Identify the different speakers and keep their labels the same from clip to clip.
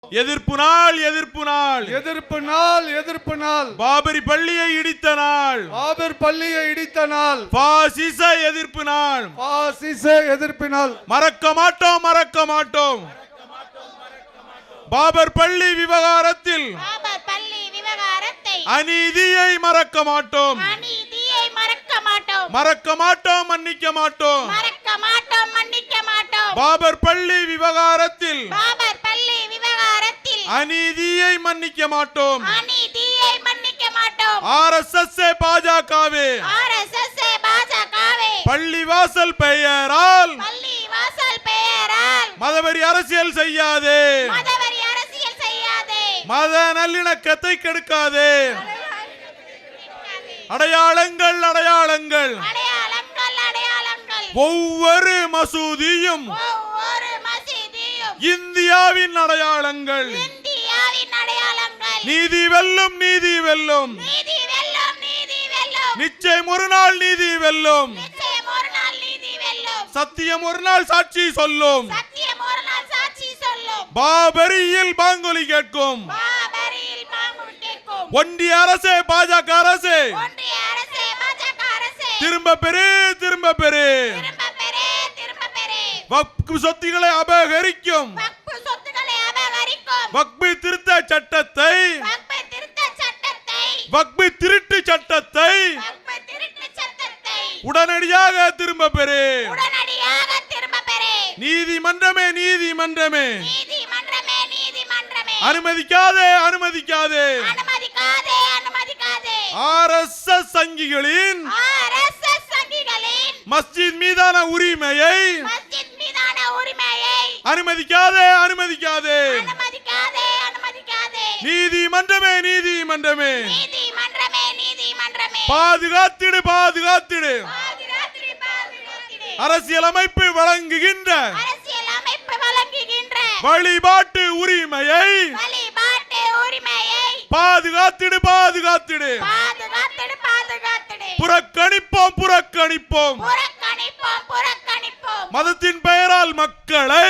Speaker 1: எதிர்ப்பு நாள் எதிர்ப்பு நாள்
Speaker 2: எதிர்ப்பு நாள் எதிர்ப்பு நாள்
Speaker 1: பாபரி பள்ளியை இடித்த நாள்
Speaker 2: பாபர் பள்ளியை இடித்த நாள்
Speaker 1: பாசிச எதிர்ப்பு நாள்
Speaker 2: பாசிச எதிர்ப்பு நாள்
Speaker 1: மறக்க மாட்டோம் மறக்க மாட்டோம் பாபர் பள்ளி விவகாரத்தில் அநீதியை மறக்க மாட்டோம் மறக்க மாட்டோம் மன்னிக்க மாட்டோம் பாபர் பள்ளி விவகாரத்தில் அநீதியை மன்னிக்க மாட்டோம் ஆர்எஸ்எஸ் பாஜகவே பள்ளிவாசல் பெயரால் மதவெறி அரசியல் செய்யாதே மத நல்லிணக்கத்தை கெடுக்காதே அடையாளங்கள் அடையாளங்கள் ஒவ்வொரு மசூதியும் இந்தியாவின் அடையாளங்கள் நீதி வெல்லும் நீதி வெல்லும் நிச்சயம் ஒரு நாள் நீதி வெல்லும் சத்தியம் ஒரு நாள் சாட்சி சொல்லும் பாபரியில் பாங்கொலி கேட்கும் ஒன்றிய அரசே பாஜக அரசே திரும்ப பெறு திரும்ப பெறு வக்ஃப் சொத்துக்களை அபகரிக்கும் வக்ஃப் திருத்த சட்டத்தை வக்ஃப் திருட்டு சட்டத்தை உடனடியாக திரும்ப பெறு நீதிமன்றமே நீதிமன்றமே அனுமதிக்காதே அனுமதிக்காதே ஆர்எஸ்எஸ் சங்கிகளின் மஸ்ஜித் மீதான உரிமையை அனுமதிக்காதே அனுமதிக்காதே நீதிமன்றமே நீதிமன்றமே பாதுகாத்திடு பாதுகாத்திடு அரசியலமைப்பு வழங்குகின்ற வழிபாட்டு உரிமையை பாதுகாத்திடு பாதுகாத்திடு புறக்கணிப்போம் புறக்கணிப்போம் மதத்தின் பெயரால் மக்களை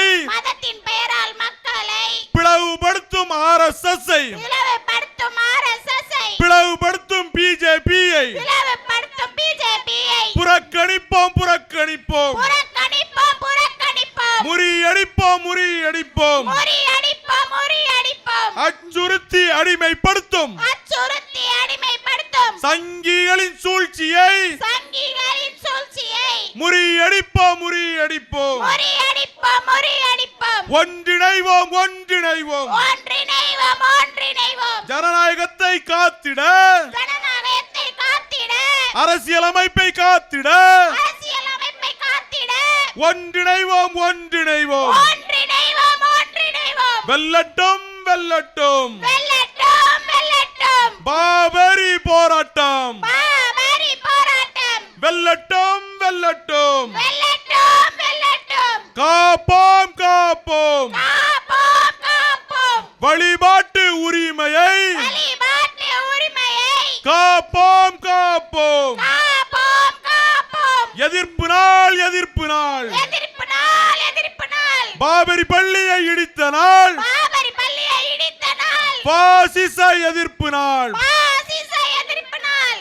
Speaker 1: பிளவுபடுத்தும் ஆர்எஸ்எஸ் பிளவுபடுத்தும் பிஜேபியை புறக்கணிப்போம் புறக்கணிப்போம் முறியடிப்போம் முறியடிப்போம் அச்சுறுத்தி அடிமைப்படுத்தும் சங்கிகளின் சூழ்ச்சியை முறியடிப்போம் முறியடிப்போம் ஒன்றிணைவோம் ஒன்றிணைவோம் ஜனநாயகத்தை காத்திட அரசியலமைப்பை காத்திட ஒன்றிணைவோம் ஒன்றிணைவோம் வெல்லட்டும் வெல்லட்டும் பாபரி போராட்டம் வெல்லட்டும் வெல்லட்டும் காப்போம் காப்போம் வழிபாட்டு உரிமையை காப்போம் காப்போம் எதிர்ப்பு நாள் எதிர்ப்பு நாள் பாபரி பள்ளியை இடித்த நாள் பாசிச எதிர்ப்பு நாள்